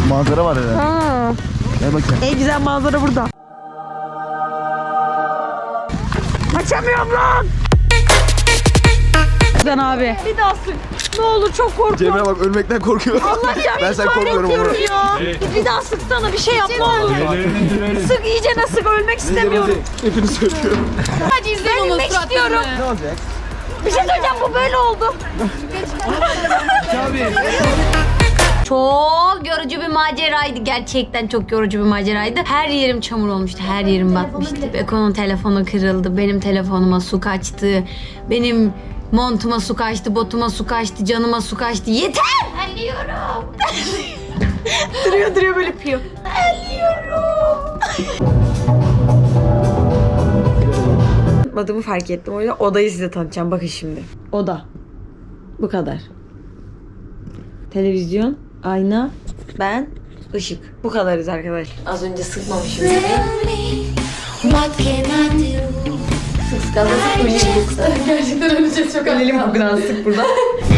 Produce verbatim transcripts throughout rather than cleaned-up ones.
Manzara var herhalde. Ha. Gel bakayım. En güzel manzara burada. Açamıyorum lan. Güzel abi. Bir daha sık. Ne olur çok korkuyorum. Cemre bak ölmekten korkuyor. Allah ya ben sen korkmuyorum ama. ya. Bir daha sıksana bir şey yap ne olur. Sık iyicene sık ölmek istemiyorum. Hepini söylüyorum. Hadi izleyin onu istiyorum. Ne olacak? Bir şey söyleyeceğim bu böyle oldu. Çok yorucu bir maceraydı. Gerçekten çok yorucu bir maceraydı. Her yerim çamur olmuştu. Her yerim batmıştı. Beko'nun telefonu kırıldı. Benim telefonuma su kaçtı. Benim montuma su kaçtı. Botuma su kaçtı. Canıma su kaçtı. Yeter! Ölüyorum. duruyor duruyor böyle piyor. Ölüyorum. Adımı fark ettim. O yüzden odayı size tanıtacağım. Bakın şimdi. Oda. Bu kadar. Televizyon, ayna, ben, ışık. Bu kadarız arkadaşlar. Az önce sıkmamışım. Sık sık az sık öleyim yoksa. Gerçekten öleceğiz çok az. Ölelim bugün sık burada.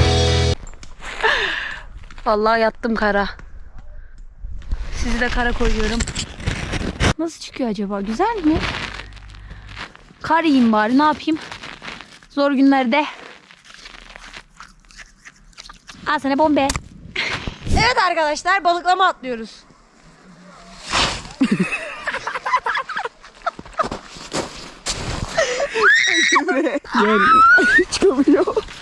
Vallahi yattım kara. Sizi de kara koyuyorum. Nasıl çıkıyor acaba? Güzel mi? Kar yiyeyim bari ne yapayım? Zor günlerde. Al sana bombe. Evet arkadaşlar balıklama atlıyoruz. Çıkamıyor.